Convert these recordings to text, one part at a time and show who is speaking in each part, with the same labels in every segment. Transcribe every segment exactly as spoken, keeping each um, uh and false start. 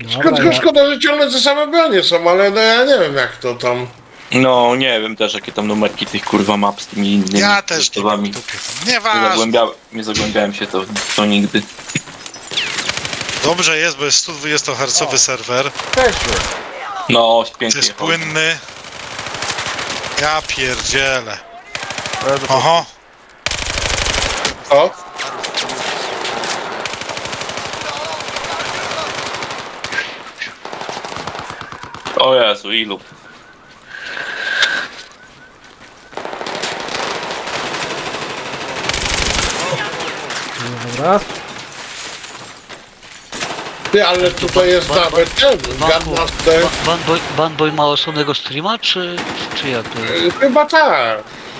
Speaker 1: Szkoda,
Speaker 2: ja...
Speaker 1: szkoda, że ciągle te same bronie są, ale no ja nie wiem jak to tam...
Speaker 3: No nie wiem też jakie tam numerki tych kurwa map z tymi innymi
Speaker 4: Ja też nie mam
Speaker 3: rzeczami.
Speaker 4: w dupie.
Speaker 3: Nie,
Speaker 4: Nieważne.
Speaker 3: zagłębia... nie zagłębiałem się to, to nigdy.
Speaker 4: Dobrze jest, bo jest sto dwudziestohercowy serwer.
Speaker 1: Też
Speaker 3: No
Speaker 4: To
Speaker 3: pięknie.
Speaker 4: jest płynny. Ja pierdzielę. Oho.
Speaker 1: O,
Speaker 3: O Jezu, ilu?
Speaker 2: Dobra.
Speaker 1: ty, ale tutaj jest
Speaker 5: Ban-
Speaker 1: nawet ten, Gunmaster.
Speaker 5: Banboy, Banboy ma osobnego streama, czy, czy jak to jest?
Speaker 1: Y, Chyba tak.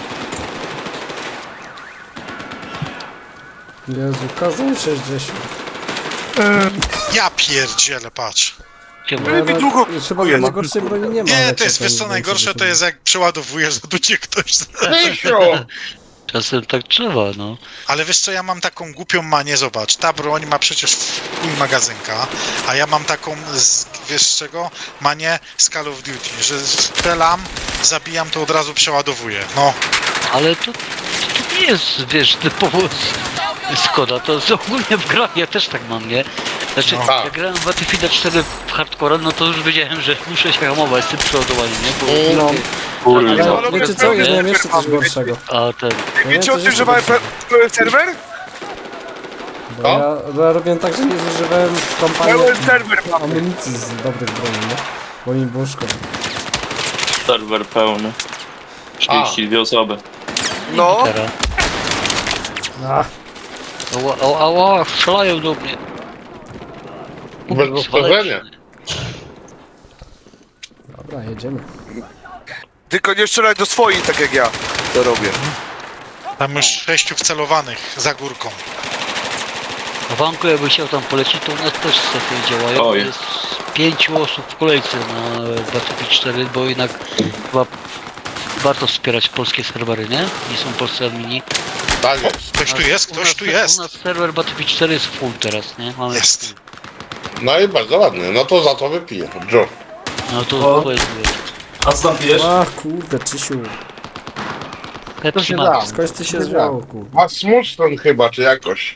Speaker 2: Jezu, kazał sześćdziesiąt.
Speaker 4: Ja pierdzielę, patrz.
Speaker 5: Gdzie ma?
Speaker 2: No, no, chyba najgorszej broni nie ma.
Speaker 4: Nie,
Speaker 2: ale
Speaker 4: to jest,
Speaker 2: ten
Speaker 4: wiesz co, najgorsze to
Speaker 2: sześćdziesiąt.
Speaker 4: jest jak przeładowujesz, że tu cię ktoś...
Speaker 1: Misiu!
Speaker 5: Czasem tak trzeba, no.
Speaker 4: Ale wiesz co, ja mam taką głupią manię, zobacz, ta broń ma przecież full magazynka, a ja mam taką, z, wiesz z czego, manię z Call of Duty, że strzelam, zabijam, to od razu przeładowuję, no.
Speaker 5: Ale to, to nie jest, wiesz, typowo z- Skoda, to jest ogólnie w grach, ja też tak mam, nie? Znaczy,
Speaker 4: No.
Speaker 1: Tak.
Speaker 5: jak grałem w Battlefield cztery w hardcore, no to już wiedziałem, że muszę się hamować z tym przeładowaniem, nie? Bo
Speaker 2: No.
Speaker 3: Kurde.
Speaker 5: ale-
Speaker 2: Ale wiecie co, ja miałem jeszcze coś gorszego.
Speaker 5: A ten,
Speaker 2: Ja
Speaker 6: Wiecie o
Speaker 2: miałem coś
Speaker 6: tym, że
Speaker 2: jeszcze
Speaker 6: mamy
Speaker 2: gorszego.
Speaker 6: pełen serwer?
Speaker 2: Bo ja, bo ja robiłem tak, że nie zużywałem w kampanii
Speaker 6: Pełen serwer mamy.
Speaker 2: amunicji z dobrych broni, nie? Bo mi było szkoda.
Speaker 3: Serwer pełny. czterdzieści dwie osoby.
Speaker 6: No,
Speaker 5: teraz.
Speaker 2: Ach,
Speaker 5: Ała, ała, ała, strzelają do mnie.
Speaker 1: Bez powtarzania.
Speaker 2: dobra, jedziemy.
Speaker 6: tylko nie strzelaj do swoich, tak jak ja to robię.
Speaker 4: Tam już sześciu wcelowanych za górką.
Speaker 5: A Wanku, jakby chciał tam polecieć, to u nas też strefy działają.
Speaker 3: Oj.
Speaker 5: Jest pięciu osób w kolejce na Battlefield cztery, bo jednak chyba warto wspierać polskie serwery, nie? Nie są polscy admini.
Speaker 1: Tak jest.
Speaker 4: Ktoś tu jest,
Speaker 5: U
Speaker 4: ktoś
Speaker 5: nas-
Speaker 4: tu jest.
Speaker 5: U nas serwer Battlefield cztery jest full teraz, nie? Mamy
Speaker 4: Jest.
Speaker 1: No i bardzo ładnie, no to za to wypiję. Joe.
Speaker 5: No to
Speaker 7: O.
Speaker 5: powiedz,
Speaker 7: A co tam pijesz?
Speaker 2: Ach, kurde, Czysiu.
Speaker 5: Pepsi
Speaker 1: się
Speaker 5: Max.
Speaker 1: da.
Speaker 2: Skądś ty się zwiało, kurde.
Speaker 1: Asmussen chyba, czy jakoś.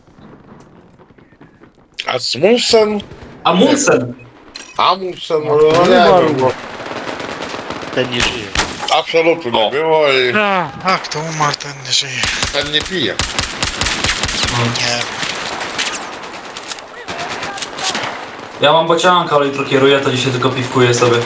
Speaker 1: Asmussen?
Speaker 7: Amundsen!
Speaker 1: Amundsen, no
Speaker 2: No,
Speaker 1: nie
Speaker 2: umarł.
Speaker 1: wiem, bo
Speaker 5: Ten nie żyje.
Speaker 1: absolutnie nie
Speaker 3: O.
Speaker 1: było i
Speaker 4: A, a kto umarł, ten nie żyje.
Speaker 1: ten nie pije.
Speaker 4: Nie.
Speaker 7: Ja mam bocianka, ale jutro kieruję, to dzisiaj tylko piwkuję sobie.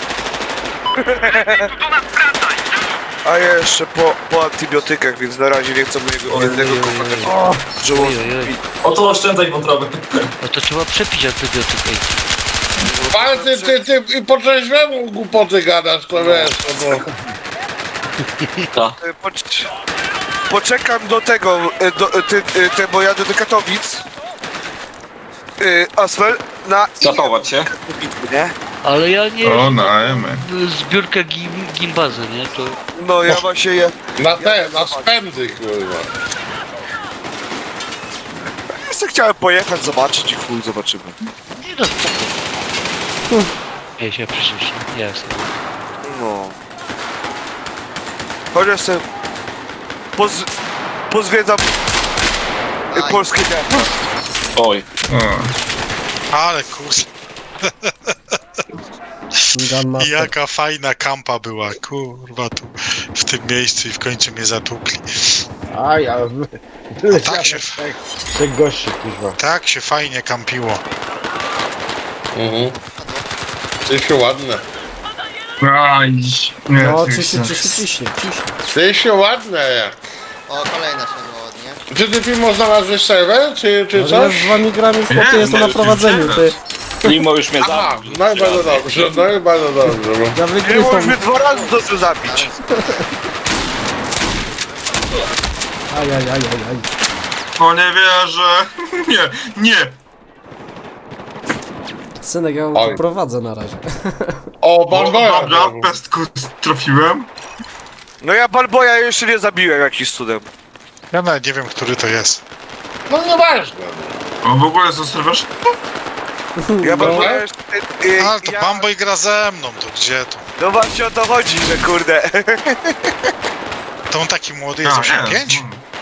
Speaker 6: A ja jeszcze po, po antybiotykach, więc na razie nie chcę mojego jednego komponentu.
Speaker 5: Oj, oj, oj.
Speaker 7: Oto oszczędzaj wątroby.
Speaker 5: No to trzeba przepić antybiotyk. ej.
Speaker 1: Ale ty, ty, ty i po trzeźwemu głupoty gadasz, to wiesz, no bo...
Speaker 3: Ta.
Speaker 6: E, Pocz- poczekam do tego, e, do, e, ty, e, te, bo jadę do Katowic. E, Asfel, na
Speaker 3: Zachować się.
Speaker 6: bitwy, nie?
Speaker 5: Ale ja nie
Speaker 8: O, na Emy.
Speaker 5: zbiórkę gim, gimbazy, nie? To
Speaker 6: No ja właśnie je...
Speaker 1: Na te, na spędy, kurwa.
Speaker 6: Ja sobie chciałem pojechać, zobaczyć i chuj, zobaczymy.
Speaker 5: nie no spoko. Ja się przecież, nie? Ja sobie.
Speaker 6: No. Chociaż sobie poz, pozwiedzam e, polskie miasta.
Speaker 3: Oj.
Speaker 8: O,
Speaker 4: Ale kurde,
Speaker 2: Gunmaster.
Speaker 4: jaka fajna kampa była, kurwa, tu w tym miejscu i w końcu mnie zatukli.
Speaker 1: Aj, ale...
Speaker 4: tak się-
Speaker 1: Trzech gości, kurwa.
Speaker 4: Tak się fajnie kampiło.
Speaker 1: Mhm. Ty się ładne.
Speaker 8: aj, nie,
Speaker 2: No,
Speaker 8: ty
Speaker 2: Czysiu,
Speaker 8: chcesz.
Speaker 2: Czysiu, ciśnie, ciśnie.
Speaker 1: Ty się ładne jak.
Speaker 9: O, kolejna siadła ładnie.
Speaker 1: Czy ty Pimo znalazłeś serwer, czy, czy
Speaker 2: Ale ja
Speaker 1: coś?
Speaker 2: z wami gram już, chłopie,
Speaker 8: Nie,
Speaker 2: jestem na
Speaker 8: nie,
Speaker 2: prowadzeniu, ty.
Speaker 3: Limo już mnie
Speaker 1: Aha,
Speaker 3: zabił.
Speaker 1: no i bardzo dobrze, no i bardzo dobrze. Bo...
Speaker 2: Ja
Speaker 6: Nie
Speaker 2: wygrywam.
Speaker 6: możesz mnie dwa razy dobrze zabić.
Speaker 2: Aj, aj, aj, aj, aj.
Speaker 8: O, nie wierzę. Nie, nie.
Speaker 2: Synek, ja
Speaker 1: Oj.
Speaker 2: tu prowadzę na razie.
Speaker 1: O,
Speaker 8: O,
Speaker 1: Banboya!
Speaker 8: dobra, w pestku trafiłem.
Speaker 6: No ja Balboja jeszcze nie zabiłem jakiś cudem.
Speaker 4: Ja nawet nie wiem, który to jest.
Speaker 1: No nieważne.
Speaker 8: O, w ogóle zostawiasz?
Speaker 6: Ja mam,
Speaker 2: No.
Speaker 6: wiesz, y, y,
Speaker 4: Ale to
Speaker 6: ja,
Speaker 4: Bamboy gra ze mną, to gdzie to?
Speaker 6: no właśnie o to chodzi, że kurde.
Speaker 4: To on taki młody jest, osiemdziesiąt pięć?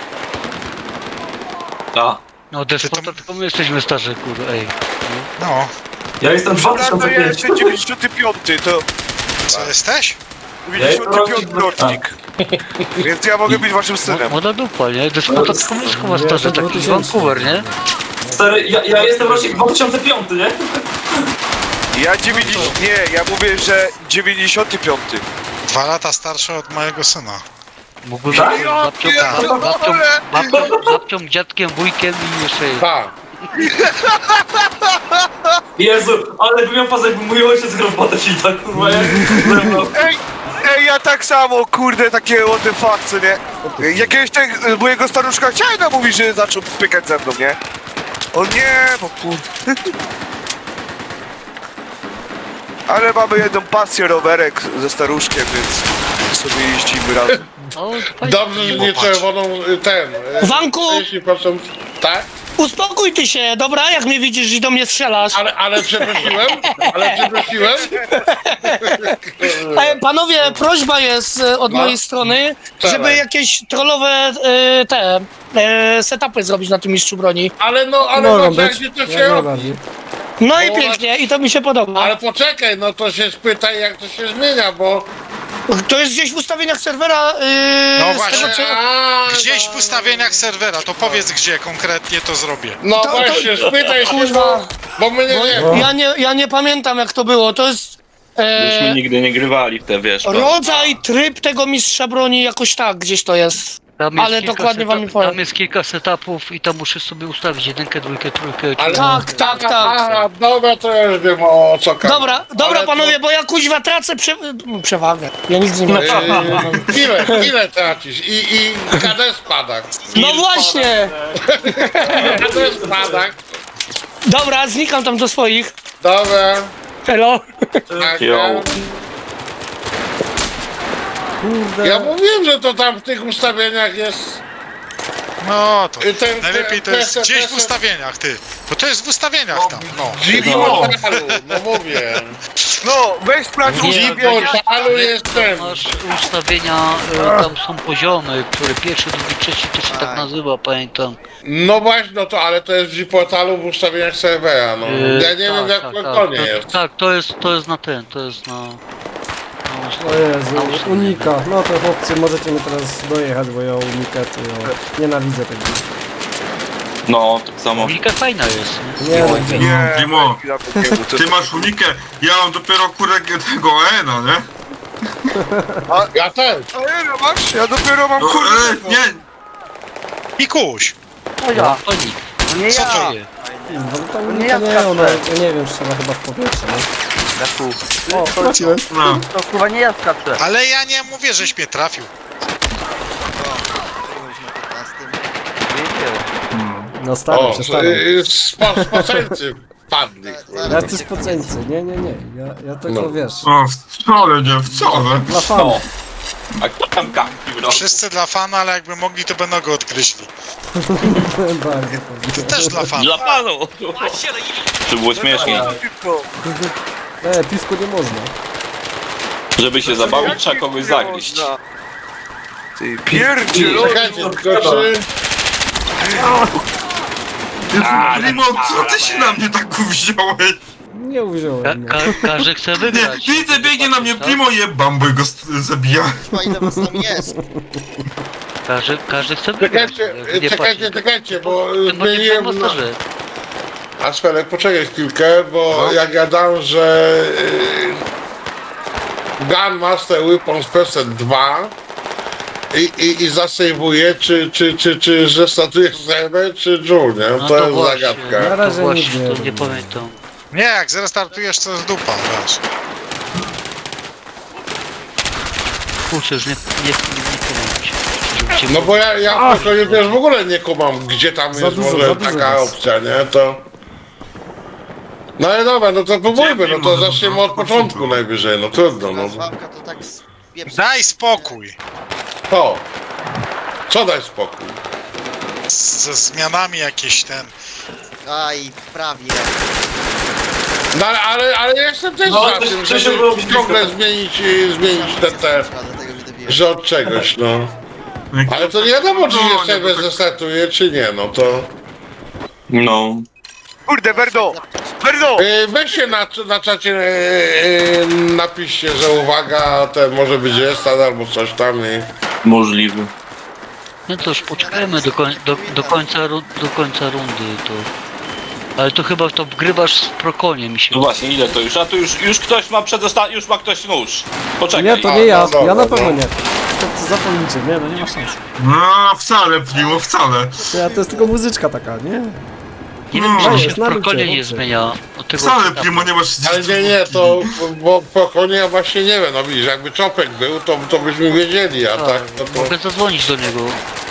Speaker 3: Ta.
Speaker 5: No despota, tylko my jesteśmy starzy, kurwa, ej.
Speaker 4: No,
Speaker 7: Ja jestem
Speaker 6: Dobra, to ja
Speaker 7: dwa tysiące piąty.
Speaker 6: jestem dziewięćdziesiąty piąty, to
Speaker 4: co jesteś?
Speaker 6: dziewięćdziesiąty piąty rocznik. Więc ja mogę być waszym synem.
Speaker 5: Młoda dupa, nie? Despota tylko my chyba
Speaker 2: Ja
Speaker 5: starzy,
Speaker 2: jestem
Speaker 5: taki
Speaker 2: dwutysięczny.
Speaker 5: Vancouver, nie?
Speaker 7: Stary, ja, ja jestem rocznik dwa tysiące piąty, nie?
Speaker 6: Ja dziewięćdziesiąty, nie, ja mówię, że dziewięćdziesiąty piąty.
Speaker 4: Dwa lata starszy od mojego syna.
Speaker 5: Mógłby
Speaker 7: Tak?
Speaker 5: być babcią,
Speaker 6: pierdolę!
Speaker 5: babcią, babcią, babcią, dziadkiem, wujkiem i jeszcze...
Speaker 1: Tak.
Speaker 7: Jezu, ale bym miał fazę, jakby mój ojciec grał w Battlefielda, kurwa, jak ze mną.
Speaker 6: Ej, ej, ja tak samo, kurde, takie what the fuck, co nie? Jakiegoś tak, mojego staruszka chciałem namówić, że zaczął pykać ze mną, nie? O nie, bo kurde. Ale mamy jedną pasję rowerek ze staruszkiem, więc sobie jeździmy razem.
Speaker 5: O, to fajnie.
Speaker 1: Dobrze, że nie czerwoną y, ten. y,
Speaker 10: Wanku!
Speaker 1: trzydzieści procent. Tak?
Speaker 10: Uspokój ty się, dobra? Jak mnie widzisz i do mnie strzelasz.
Speaker 1: Ale, ale przeprosiłem? Ale przeprosiłem?
Speaker 10: E, panowie, prośba jest e, od
Speaker 1: No.
Speaker 10: mojej strony,
Speaker 1: Wczoraj.
Speaker 10: żeby jakieś trollowe e, te e, setupy zrobić na tym mistrzu broni.
Speaker 1: Ale no, ale
Speaker 2: Mogą
Speaker 1: no, jak
Speaker 2: być,
Speaker 1: się to
Speaker 2: jak
Speaker 1: się robi?
Speaker 2: najbardziej.
Speaker 10: No i
Speaker 1: O,
Speaker 10: pięknie, i to mi się podoba.
Speaker 1: Ale poczekaj, no to się spytaj, jak to się zmienia, bo...
Speaker 10: To jest gdzieś w ustawieniach serwera. Yy,
Speaker 4: No
Speaker 10: z
Speaker 4: właśnie.
Speaker 10: Tego, co...
Speaker 1: A,
Speaker 4: Gdzieś
Speaker 1: no,
Speaker 4: w ustawieniach serwera, to powiedz gdzie konkretnie to zrobię.
Speaker 1: No
Speaker 10: To- to-
Speaker 1: właśnie, spytaj się, bo,
Speaker 10: Kurwa.
Speaker 1: bo my nie wiemy.
Speaker 10: Ja nie, ja nie pamiętam jak to było. To jest
Speaker 3: Myśmy
Speaker 10: e,
Speaker 3: nigdy nie grywali w te, wiesz.
Speaker 10: rodzaj, tryb tego mistrza broni, jakoś tak, gdzieś to jest.
Speaker 5: Tam jest
Speaker 10: Ale
Speaker 5: kilka
Speaker 10: dokładnie wam nie
Speaker 5: setup-
Speaker 10: powiem.
Speaker 5: Tam jest kilka setupów i tam muszę sobie ustawić jedynkę, dwójkę, trójkę.
Speaker 1: Ale-
Speaker 10: Tak, tak, tak.
Speaker 1: Aha, dobra, to ja już wiem o co każe.
Speaker 10: Dobra, dobra
Speaker 1: Ale to-
Speaker 10: panowie, bo ja kuźwa tracę prze... przewagę. Ja nic nie mam.
Speaker 1: Yy, ile, ile tracisz? I, i K D spada.
Speaker 10: No właśnie!
Speaker 1: K D spada.
Speaker 10: Dobra, znikam tam do swoich.
Speaker 1: Dobra.
Speaker 10: Hello.
Speaker 1: Tak,
Speaker 3: Yo.
Speaker 1: ja-
Speaker 2: Kurde.
Speaker 1: Ja mówiłem, że to tam w tych ustawieniach jest.
Speaker 4: No to
Speaker 1: y, Ten,
Speaker 4: najlepiej to jest
Speaker 1: ten-
Speaker 4: gdzieś
Speaker 1: ten-
Speaker 4: w ustawieniach, ty. Bo to jest w ustawieniach tam, no.
Speaker 1: G portalu, no mówię.
Speaker 6: No, weź sprawdź
Speaker 5: Nie,
Speaker 1: G
Speaker 6: ustawienia.
Speaker 1: portalu jest ten.
Speaker 5: Masz ustawienia, e, tam są poziomy, które pierwszy, drugi, trzeci, to się tak
Speaker 9: Tak.
Speaker 5: nazywa, pamiętam.
Speaker 1: No właśnie, no to ale to jest w G portalu w ustawieniach serwera, no.
Speaker 5: E,
Speaker 1: Ja nie wiem jak to nie
Speaker 5: to,
Speaker 1: jest.
Speaker 5: Tak, to jest, to jest na ten, to jest na... na
Speaker 2: O Jezu, unika. No to chłopcy, możecie mnie teraz dojechać, bo ja unikę, to ja nienawidzę tego.
Speaker 3: No, tak samo.
Speaker 5: Unika fajna jest, nie?
Speaker 2: Nie, no, gdzie?
Speaker 6: Nie,
Speaker 8: Dimo,
Speaker 6: chwila, to- to-
Speaker 8: ty masz unikę, ja mam dopiero kurek tego Ena, nie?
Speaker 1: Ja też.
Speaker 6: A nie, no masz? Ja dopiero mam
Speaker 8: No,
Speaker 6: kurde.
Speaker 8: e, nie,
Speaker 4: Pikuś,
Speaker 5: O ja. Unik.
Speaker 9: Nie
Speaker 4: co
Speaker 9: ja!
Speaker 4: to?
Speaker 2: No to unika nie, no, ja nie wiem, strzela chyba w powietrze, no. O, trafiłem.
Speaker 8: no.
Speaker 9: To chyba nie ja skaczę.
Speaker 4: Ale ja nie mówię, żeś mnie trafił.
Speaker 2: No stary,
Speaker 1: O,
Speaker 2: przestaram.
Speaker 1: y, spo, spoceńcy padli.
Speaker 2: Ja ty spoceńcy, nie, nie, nie. Ja, ja tylko
Speaker 1: No.
Speaker 2: wiesz,
Speaker 8: O, wcale nie, wcale.
Speaker 2: dla fanów.
Speaker 3: A kto tam kampił, no?
Speaker 4: Wszyscy dla fana, ale jakby mogli, to by nogę odgryźli.
Speaker 2: Bardzo fajnie.
Speaker 4: Też dla fana.
Speaker 3: Dla panu! Żeby było śmieszniej.
Speaker 2: E, piwko nie można.
Speaker 3: Żeby się zabawić, trzeba kogoś zagryźć.
Speaker 6: Ty pierdzielony.
Speaker 1: Czekajcie, tylko czy...
Speaker 8: Primo, co ty się na mnie tak wziąłeś?
Speaker 2: Nie
Speaker 5: Ka
Speaker 2: uwziąłem, nie.
Speaker 5: ka każdy chce
Speaker 8: Nie,
Speaker 5: wygrać.
Speaker 8: widzę, biegnie na mnie
Speaker 5: Tak?
Speaker 8: Primo, jebam, bo go st- zabija.
Speaker 9: Chyba ile was tam jest?
Speaker 5: Każdy, każdy chce wygrać.
Speaker 1: Czekajcie,
Speaker 5: jak nie
Speaker 1: czekajcie,
Speaker 5: płaci,
Speaker 1: czekajcie, bo
Speaker 5: to- to nie
Speaker 1: zmieniłem...
Speaker 5: w masterze.
Speaker 1: A Sfelek, poczekaj chwilkę, bo ja gadam, że... Yy, Gunmaster Weapons Preset dwa i, i, i zasejwuję, czy, czy, czy, czy zrestartuję serwer, czy Joule, nie?
Speaker 5: No
Speaker 1: to jest
Speaker 5: właśnie,
Speaker 1: zagadka.
Speaker 2: Na
Speaker 5: To
Speaker 2: razie
Speaker 5: właśnie,
Speaker 2: nic nie
Speaker 5: to
Speaker 2: wiem.
Speaker 5: nie pamiętam.
Speaker 4: Nie, jak zrestartujesz, to jest dupa, wiesz.
Speaker 5: Kurczę, już nie, nie, nie, nie pamiętam. Żeby cię
Speaker 1: No bo ja, ja w pokoju też w ogóle nie kumam, gdzie tam
Speaker 2: Za
Speaker 1: jest
Speaker 2: dużo,
Speaker 1: może
Speaker 2: za dużo
Speaker 1: taka
Speaker 2: jest.
Speaker 1: opcja, nie? To... No ale dobra, no to próbujmy, no to
Speaker 8: Może
Speaker 1: zaczniemy
Speaker 8: po
Speaker 1: od
Speaker 8: prostu.
Speaker 1: początku najwyżej, no trudno, no.
Speaker 9: Nazwałka to tak spieprza.
Speaker 4: Daj spokój
Speaker 1: To. Co daj spokój?
Speaker 4: z, ze zmianami jakieś ten.
Speaker 9: Aj, prawie.
Speaker 1: No ale, ale, ale ja jestem też
Speaker 7: No,
Speaker 1: za
Speaker 7: to-
Speaker 1: tym,
Speaker 7: to
Speaker 1: żeby
Speaker 7: się było blisko.
Speaker 1: ciągle zmienić, y, zmienić te, te,
Speaker 9: Dlatego mi dobiję.
Speaker 1: że od czegoś, no. Ale to nie wiadomo, czy się sobie zestartuje, czy nie, no to...
Speaker 3: No.
Speaker 6: Kurde, Berdo! Berdo!
Speaker 1: Y, Weź się na, na czacie y, y, napiszcie, że uwaga, to może być restart albo coś tam i...
Speaker 3: Możliwy.
Speaker 5: No to już poczekajmy do, koń, do, do, końca, ru- do końca rundy to. Ale to chyba to wgrywasz z prokonie mi się.
Speaker 3: No właśnie, ile to już? A tu już, już ktoś ma przedosta... już ma ktoś nóż. Poczekaj.
Speaker 2: Nie, to
Speaker 1: A,
Speaker 2: nie ja,
Speaker 1: no dobra,
Speaker 2: ja na pewno
Speaker 1: no.
Speaker 2: nie. To zapomnijcie, nie, no nie ma szans.
Speaker 8: No wcale, Primo, wcale.
Speaker 2: To, ja, to jest tylko muzyczka taka, nie?
Speaker 5: Nie wiem, czy
Speaker 8: No,
Speaker 5: się
Speaker 2: jest
Speaker 5: w
Speaker 2: na
Speaker 5: prokonie
Speaker 2: lucie,
Speaker 5: nie
Speaker 2: dobrze.
Speaker 5: zmienia od tego.
Speaker 8: Wcale,
Speaker 5: setupu.
Speaker 8: Primo, nie masz...
Speaker 1: Ale nie, nie, to... bo po konie ja właśnie nie wiem, no widzisz, jakby Czopek był, to, to byśmy wiedzieli, a tak, no to...
Speaker 5: Mogę zadzwonić do niego.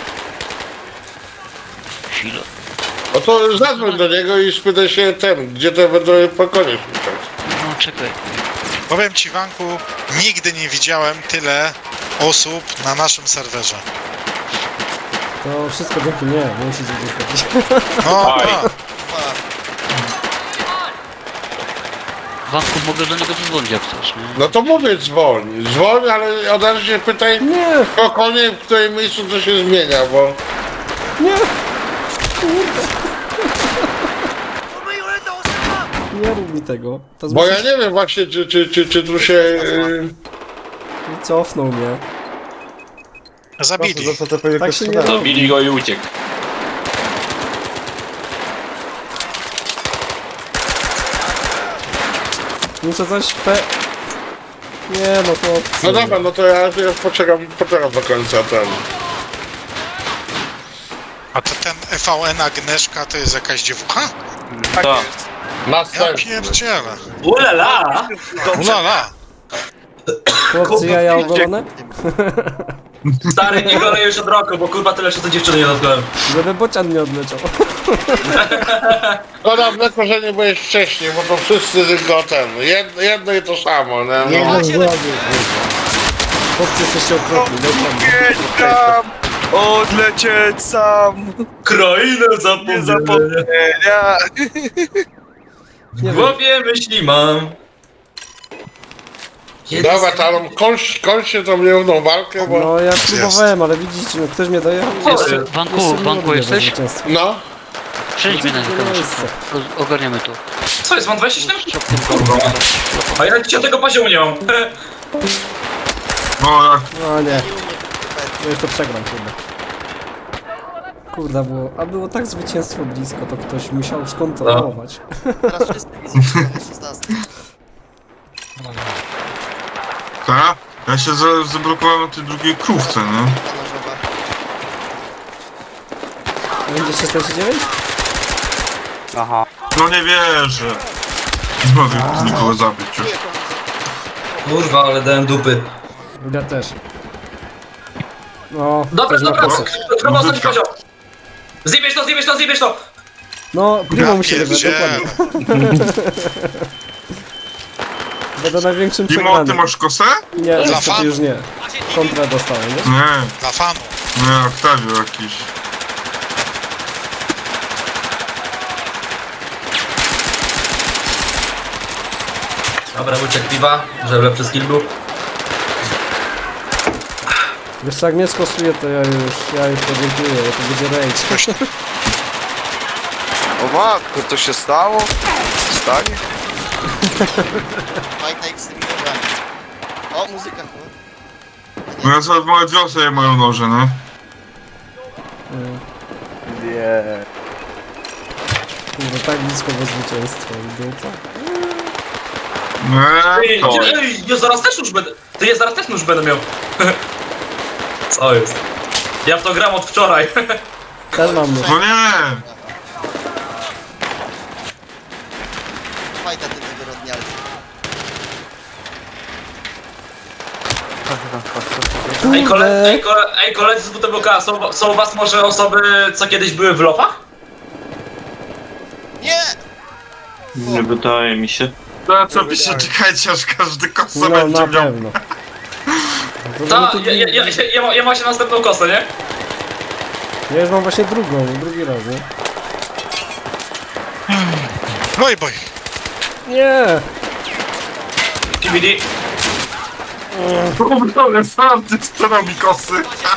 Speaker 5: Chwilę.
Speaker 1: No to zadzwoń do niego i spytaj się ten, gdzie te będą po konie szukać.
Speaker 5: No czekaj.
Speaker 4: Powiem ci, Wanku, nigdy nie widziałem tyle osób na naszym serwerze.
Speaker 2: To wszystko dzięki mnie, nie musicie gdzieś chodzić.
Speaker 4: No,
Speaker 3: Oj.
Speaker 4: tak.
Speaker 5: Wanku, mogę do niego zadzwonić jak chcesz, nie?
Speaker 1: No to mówię, dzwoń, dzwoń, ale od razu się pytaj
Speaker 2: Nie,
Speaker 1: po konie, w którym miejscu to się zmienia, bo...
Speaker 2: nie! Nie rób mi tego. To
Speaker 1: Bo ja
Speaker 2: zmusi-
Speaker 1: nie wiem właśnie, czy, czy, czy, czy tu się... Yy,
Speaker 2: Cofnął mnie.
Speaker 4: Zabili.
Speaker 2: Tak się nie robi.
Speaker 3: Zabili go i uciekł.
Speaker 2: Muszę coś pe... Nie no to...
Speaker 1: no dobra, no to ja, ja poczekam, poczekam do końca ten...
Speaker 4: A to ten E V N Agnieszka to jest jakaś dziewucha?
Speaker 6: Tak
Speaker 3: Tak.
Speaker 6: jest.
Speaker 4: Ja
Speaker 1: Następny.
Speaker 4: pierdzielę.
Speaker 7: Ulala!
Speaker 4: Ulala.
Speaker 2: Chłopcy, jaja ogolone?
Speaker 7: Stary, nie golę już od roku, bo kurwa tyle co dziewczyny nie dotknąłem.
Speaker 2: Żeby bocian nie odleciał.
Speaker 1: Szkoda mleko, że nie byłeś wcześniej, bo to wszyscy tylko ten, jedno, jedno i to samo, nie? No.
Speaker 2: Chłopcy, jesteście okropni, dokładnie.
Speaker 6: Jedź tam! Odlecieć sam!
Speaker 7: Krainę
Speaker 6: Nie
Speaker 7: zapomnienia.
Speaker 6: zapomnienia!
Speaker 7: W głowie myśli mam.
Speaker 1: Dobra, tam kończ, kończcie tą nierówną walkę, bo...
Speaker 2: No ja próbowałem, ale widzicie, no ktoś mnie dojechał.
Speaker 5: Jeszcze, Wanku, Wanku jesteś?
Speaker 1: No,
Speaker 5: Przejdź mnie na niego na
Speaker 2: Miejsce.
Speaker 5: szybko. Roz- Ogarniemy to.
Speaker 7: Co jest, mam dwadzieścia siedem?
Speaker 5: Szok tym golem.
Speaker 7: A ja dzisiaj tego poziomu nie mam.
Speaker 8: No, jak
Speaker 2: No nie. Ja już to przegram chyba. Kurde, było, a było tak zwycięstwo blisko, to ktoś musiał skontrolować.
Speaker 9: Teraz wszyscy widzą, szesnasty.
Speaker 8: ta? Ja się za, zablokowałem na tej drugiej krówce, nie?
Speaker 9: Pana żoba.
Speaker 2: Będzie czterdzieści dziewięć?
Speaker 8: No nie wierzę. Nie mogę nikogo zabić już.
Speaker 7: Kurwa, ale dałem dupy.
Speaker 2: Ja też. No,
Speaker 7: Dobra,
Speaker 2: ktoś ma
Speaker 7: dobra,
Speaker 2: kosę.
Speaker 7: trzeba ostatni poziom. Zjebiesz to, zjebiesz to, zjebiesz to!
Speaker 2: No, Primo
Speaker 4: Ja
Speaker 2: musi wygrać,
Speaker 4: pierdzielę.
Speaker 2: dokładnie. Będę największym
Speaker 8: Mimo, ty
Speaker 2: przegranym.
Speaker 8: masz kosę?
Speaker 2: Nie,
Speaker 4: Dla
Speaker 2: niestety
Speaker 4: fanów.
Speaker 2: już nie. Kontrę dostałem, nie?
Speaker 8: Nie,
Speaker 4: Dla fanów.
Speaker 8: nie, Octavio jakiś.
Speaker 7: Dobra, uciekł piwa, żeby lepszy skill był.
Speaker 2: Wiesz co, jak mnie skosuje, to ja już, ja już podziękuję, bo to będzie rage.
Speaker 6: O matko, co się stało? Stanie?
Speaker 9: Fajna ekstremowanie. O, muzyka chyba.
Speaker 8: No ja sobie małe wiosę mają noże, no.
Speaker 6: Nie.
Speaker 2: Kurde, tak blisko do zwycięstwa i dupa.
Speaker 8: Nie,
Speaker 7: Ej,
Speaker 8: to.
Speaker 7: ej, ja zaraz też już będę. Ty ja zaraz też już będę miał. Co jest? Ja w to gram od wczoraj.
Speaker 2: Też mam nóż.
Speaker 8: No nie!
Speaker 9: Fajta tym zwyrodnialcy.
Speaker 7: Ej, kole,
Speaker 2: Kurde,
Speaker 7: ej, kole, ej koledzy z W T B K, są, są u was może osoby, co kiedyś były w lofach?
Speaker 9: Nie!
Speaker 3: Nie wydaje mi się.
Speaker 8: No co by się czekajcie, aż każdy kosę
Speaker 2: no
Speaker 8: będzie
Speaker 2: na
Speaker 8: miał.
Speaker 2: pewno. To
Speaker 7: Ta,
Speaker 2: żeby tu-
Speaker 7: ja, ja, ja, ja, ja, ma, ja mam się następną kosę, nie?
Speaker 2: Ja już mam właśnie drugą, drugi raz, nie?
Speaker 4: Oj boj.
Speaker 2: Nie!
Speaker 7: T B D.
Speaker 8: Ale sam ty sprzedał mi kosy.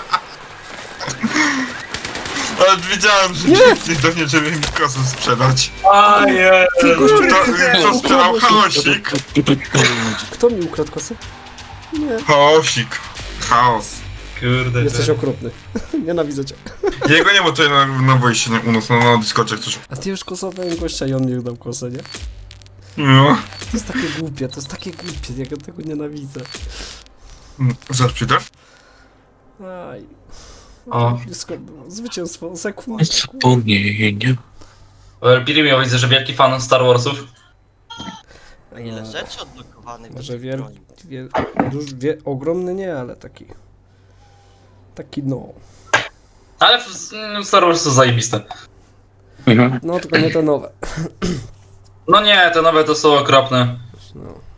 Speaker 8: Ale wiedziałem, że nikt do mnie, żeby mi kosy sprzedać.
Speaker 7: A je.
Speaker 8: Kto, kto sprzedał chaosik?
Speaker 2: Kto mi ukradł kosę? Nie.
Speaker 8: Chaosik. Chaos.
Speaker 7: Kurde.
Speaker 2: Jesteś okrutny. Nienawidzę cię.
Speaker 8: Jego nie ma tutaj na, na wejście nie, u nas, na, na Discordzie jak coś.
Speaker 2: A ty już kosowałem gościa i on mi dał kosę, nie?
Speaker 8: No.
Speaker 2: To jest takie głupie, to jest takie głupie, ja tego nienawidzę.
Speaker 8: Zaraz przyjdę.
Speaker 2: Aj.
Speaker 7: O.
Speaker 2: Blisko było. Zwycięstwo, sekund.
Speaker 3: Zapomnienie.
Speaker 7: Pirimio, widzę, że wielki fan Star Warsów.
Speaker 9: A ile rzeczy odblokowanych.
Speaker 2: Może
Speaker 9: do tej
Speaker 2: wiel,
Speaker 9: broni.
Speaker 2: wie, duż, wie, ogromny nie, ale taki. Taki no.
Speaker 7: Ale w- mm, Star Wars są zajebiste.
Speaker 2: No tylko nie te nowe.
Speaker 7: No nie, te nowe to są okropne.
Speaker 2: No.